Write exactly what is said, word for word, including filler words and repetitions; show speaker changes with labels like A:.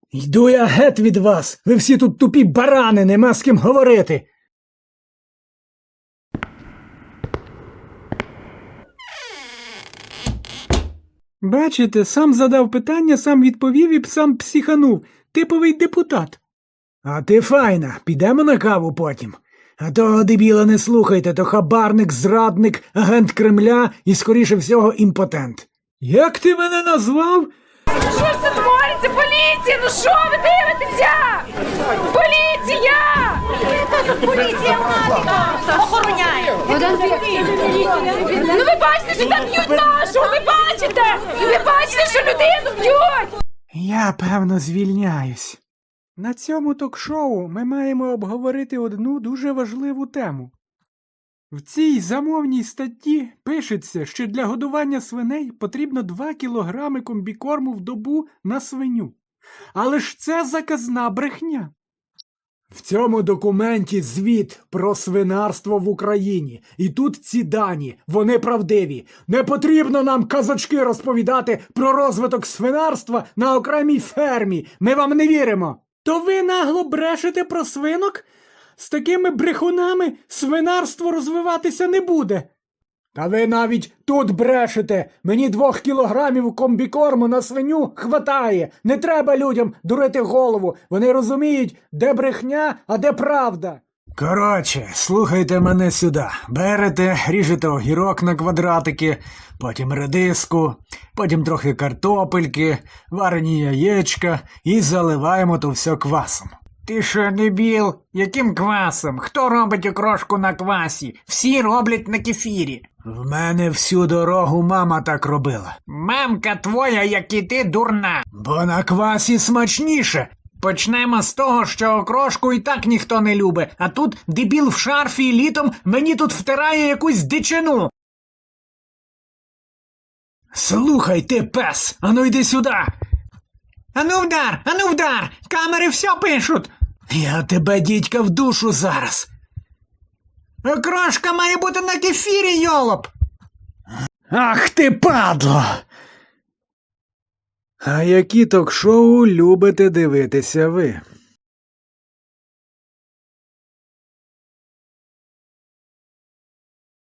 A: Йду я геть від вас. Ви всі тут тупі барани, нема з ким говорити. Бачите, сам задав питання, сам відповів і сам психанув. Типовий депутат. А ти файна, підемо на каву потім. А того дебіла не слухайте, то хабарник, зрадник, агент Кремля і, скоріше всього, імпотент. Як ти мене назвав?
B: Що ж це твориться? Поліція! Ну що ви дивитеся? Поліція! Поліція охороняє! Ну ви бачите, що там б'ють нашого! Ви бачите? Ви бачите, що людину б'ють!
A: Я, певно, звільняюсь. На цьому ток-шоу ми маємо обговорити одну дуже важливу тему. В цій замовній статті пишеться, що для годування свиней потрібно два кілограми комбікорму в добу на свиню. Але ж це заказна брехня. В цьому документі звіт про свинарство в Україні. І тут ці дані, вони правдиві. Не потрібно нам казочки розповідати про розвиток свинарства на окремій фермі. Ми вам не віримо. То ви нагло брешете про свинок? З такими брехунами свинарство розвиватися не буде. Та ви навіть тут брешете. Мені двох кілограмів комбікорму на свиню хватає. Не треба людям дурити голову. Вони розуміють, де брехня, а де правда. Коротше, слухайте мене сюди. Берете, ріжете огірок на квадратики, потім редиску, потім трохи картопельки, варені яєчка і заливаємо то все квасом.
C: Ти що, дебіл? Яким квасом? Хто робить окрошку на квасі? Всі роблять на кефірі.
A: В мене всю дорогу мама так робила.
C: Мамка твоя, як і ти, дурна.
A: Бо на квасі смачніше.
C: Почнемо з того, що окрошку і так ніхто не любить, а тут дебіл в шарфі і літом мені тут втирає якусь дичину.
A: Слухай ти, пес, ану йди сюди.
C: Ану вдар, ану вдар, камери все пишуть.
A: Я тебе, дідька, в душу зараз.
C: Окрошка має бути на кефірі, йолоп.
A: Ах ти, падло! А які ток-шоу любите дивитися ви?